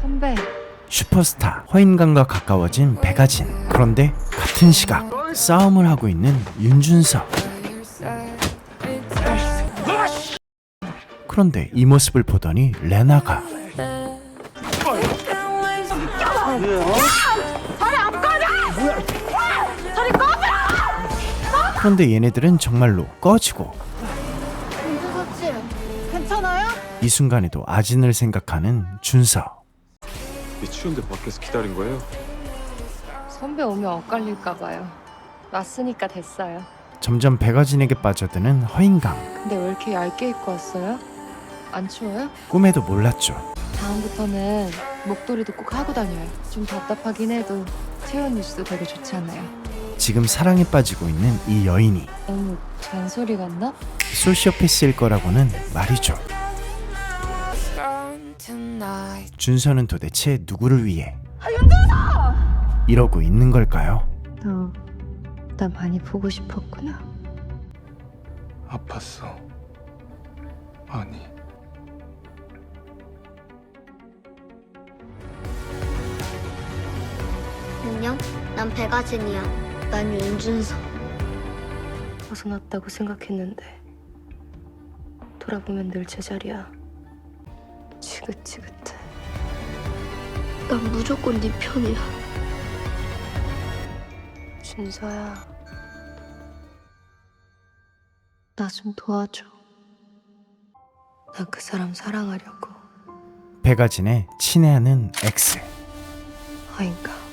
선배, 슈퍼스타 허인강과 가까워진 백아진. 그런데 같은 시각 싸움을 하고 있는 윤준석. 그런데 이 모습을 보더니 레나가 그런데 얘네들은 정말로 꺼지고 윤준석 씨, 괜찮아요? 이 순간에도 아진을 생각하는 준석. 추운데 밖에서 기다린 거예요? 선배 오면 엇갈릴까봐요. 왔으니까 됐어요. 점점 백아진에게 빠져드는 허인강. 근데 왜 이렇게 얇게 입고 왔어요? 안 추워요? 꿈에도 몰랐죠. 다음부터는 목도리도 꼭 하고 다녀요. 좀 답답하긴 해도 체온 뉴스 되게 좋잖아요. 지금 사랑에 빠지고 있는 이 여인이 너무 잔소리 같나? 소시오패스일 거라고는 말이죠. 준서는 도대체 누구를 위해 이러고 있는 걸까요? 너, 나 많이 보고 싶었구나. 아팠어. 아니. 안녕, 난 백아진이야. 난 윤준석. 벗어났다고 생각했는데 돌아보면 늘 제자리야. 지긋지긋해. 난 무조건 네 편이야. 준서야, 나 좀 도와줘. 나 그 사람 사랑하려고. 백아진의 친애하는 X. 아인가.